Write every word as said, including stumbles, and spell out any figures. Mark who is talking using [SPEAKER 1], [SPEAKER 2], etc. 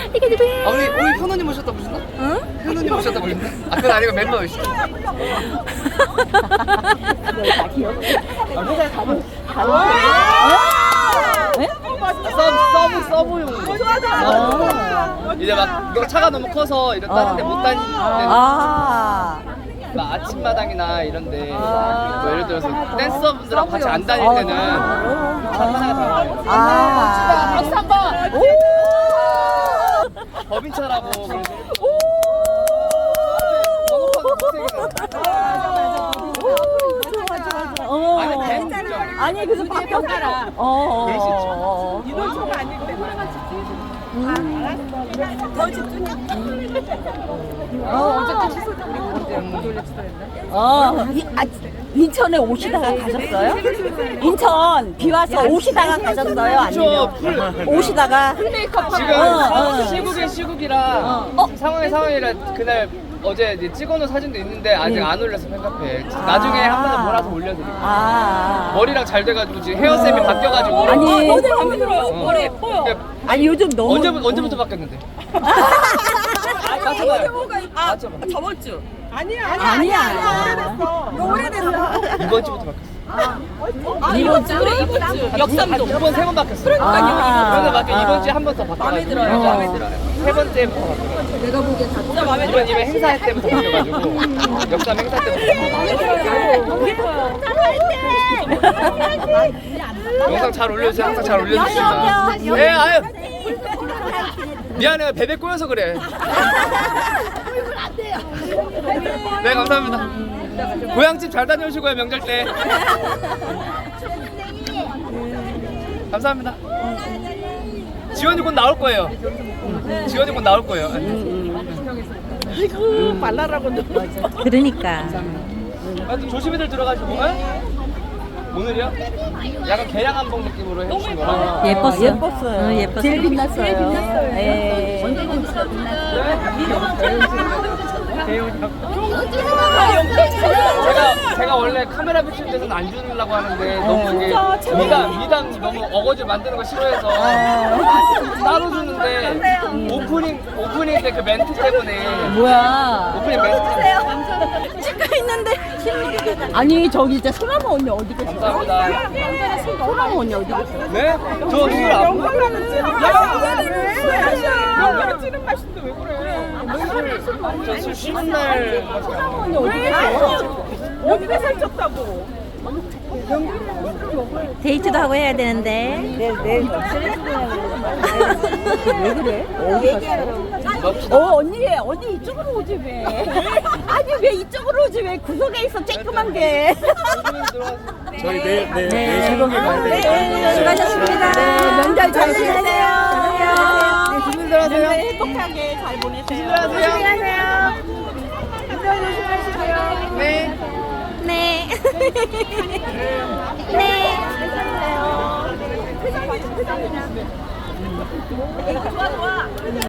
[SPEAKER 1] 아, 우리 우리 현우님 오셨다 보셨나?
[SPEAKER 2] 응?
[SPEAKER 1] 현우님 오셨다 보셨나? 아, 그건 아니고 멤버이시죠? 서브 서브 서브용.
[SPEAKER 3] 좋아 좋아.
[SPEAKER 1] 이제 막 이거 차가 너무 커서 이런 다른데 못 다니는
[SPEAKER 2] 아.
[SPEAKER 1] 막 아침마당이나 이런데 뭐 예를 들어서 댄서분들하고 같이 안 다닐 때는 차 하나가 다
[SPEAKER 2] 아.
[SPEAKER 3] 박수 한 번.
[SPEAKER 1] 법인차라고 그래서
[SPEAKER 2] 어.
[SPEAKER 1] 아니 뱀 진짜.
[SPEAKER 2] 아니 그래서 바뀌었더라. 어.
[SPEAKER 1] 그럴 수 있죠.
[SPEAKER 2] 어.
[SPEAKER 3] 이동초가 아니기 때문에. 더 집중해.
[SPEAKER 2] 어.
[SPEAKER 3] 어쨌든 취소돼. 우리 언제 목요일에 취소했나?
[SPEAKER 2] 어. 이, 아, 인천에 오시다가 가셨어요? 인천 비 와서 오시다가 가셨어요? 아니면
[SPEAKER 1] 풀.
[SPEAKER 2] 오시다가
[SPEAKER 3] 풀메이크업
[SPEAKER 1] 지금
[SPEAKER 2] 어, 어.
[SPEAKER 1] 시국의 시국이라
[SPEAKER 2] 어.
[SPEAKER 1] 상황의 상황이라 그날 어제 이제 찍어놓은 사진도 있는데 아직
[SPEAKER 2] 음.
[SPEAKER 1] 안 올려서 팬카페에 나중에 한 번 더 몰아서 올려드릴게요.
[SPEAKER 2] 아.
[SPEAKER 1] 머리랑 잘 돼가지고 지금 헤어쌤이 바뀌어가지고
[SPEAKER 2] 아니.
[SPEAKER 3] 머리 마음에 들어요.
[SPEAKER 1] 어.
[SPEAKER 3] 머리 예뻐요.
[SPEAKER 1] 그러니까
[SPEAKER 2] 아니 요즘 너무
[SPEAKER 1] 언제부터 언제부터 바뀌었는데? 맞춰봐요. 맞춰봐.
[SPEAKER 3] 저번 주. 아니야.
[SPEAKER 2] 아니야.
[SPEAKER 3] 오래됐어. 오래됐어.
[SPEAKER 1] 이번 주부터 바뀌었어.
[SPEAKER 3] 아, 이번 주 그래 이번 주. 역삼도.
[SPEAKER 1] 두번 세 번 바뀌었어.
[SPEAKER 2] 아.
[SPEAKER 1] 그러니까 바뀌어 이번 주에 한 번 더 바뀌어.
[SPEAKER 3] 마음에 들어요.
[SPEAKER 2] 어.
[SPEAKER 3] 마음에 들어요.
[SPEAKER 1] 세 번째부터 바뀌어.
[SPEAKER 3] 내가 보기엔 다 진짜 마음에
[SPEAKER 1] 이번 이번 행사 때부터 바뀌어가지고 역삼 행사 때부터. 영상 잘 올려주세요. 항상 잘 올려주십니다. 네, 아유. 미안해요. 베베 꼬여서 그래. 네, 감사합니다. 고향집 잘 다녀오시고요, 명절 때. 감사합니다. 지원이 곧 나올 거예요. 지원이 곧 나올 거예요.
[SPEAKER 3] 아이고 말라라고 너.
[SPEAKER 2] 그러니까
[SPEAKER 1] 하여튼 조심히들 들어가시고. 에? 오늘이요? 약간 계량 한복 느낌으로 해주신 거라.
[SPEAKER 2] 예뻤어. 예뻤어요. 예뻤어요. 제일 빛났어요. 제일 빛났어요. 예.
[SPEAKER 1] 제가 제가 원래 카메라 비출 때는 안 주려고 하는데 너무 이게 미담 미담 너무 어거지 만드는 거 싫어해서 따로 주는데 오프닝 오프닝 때 그 멘트 때문에
[SPEAKER 2] 뭐야?
[SPEAKER 1] 오프닝 멘트 때문에
[SPEAKER 2] 찍고 있는데 아니 저기 진짜 소나무 언니 어디 계세요?
[SPEAKER 1] 감사합니다.
[SPEAKER 2] 소나무 언니 어디 계세요?
[SPEAKER 1] 네? 저 지금 안 보여요.
[SPEAKER 3] 영광을 찌는 맛인데 왜 그래?
[SPEAKER 1] 저술 쉬는 날
[SPEAKER 2] 언니 어디 계세요?
[SPEAKER 3] 어디가 살쪘다고?
[SPEAKER 4] 데이트도 하고 해야 되는데.
[SPEAKER 2] 내일 내일 왜 그래? 어디 갔어? 어 언니 언니 이쪽으로 오지 왜? 아니 왜 이쪽으로 오지 왜 구석에 있어 쬐끄만 게.
[SPEAKER 5] 저희 내일 내일
[SPEAKER 2] 네.
[SPEAKER 5] 내일 새벽에 가야 되니까.
[SPEAKER 2] 네,
[SPEAKER 4] 수고하셨습니다.
[SPEAKER 2] 네, 명절 잘 보내세요.
[SPEAKER 1] 조심들 하세요.
[SPEAKER 3] 행복하게 잘 보내세요.
[SPEAKER 1] 조심들 하세요. 네.
[SPEAKER 4] 네. 네.
[SPEAKER 3] 좋아 좋아.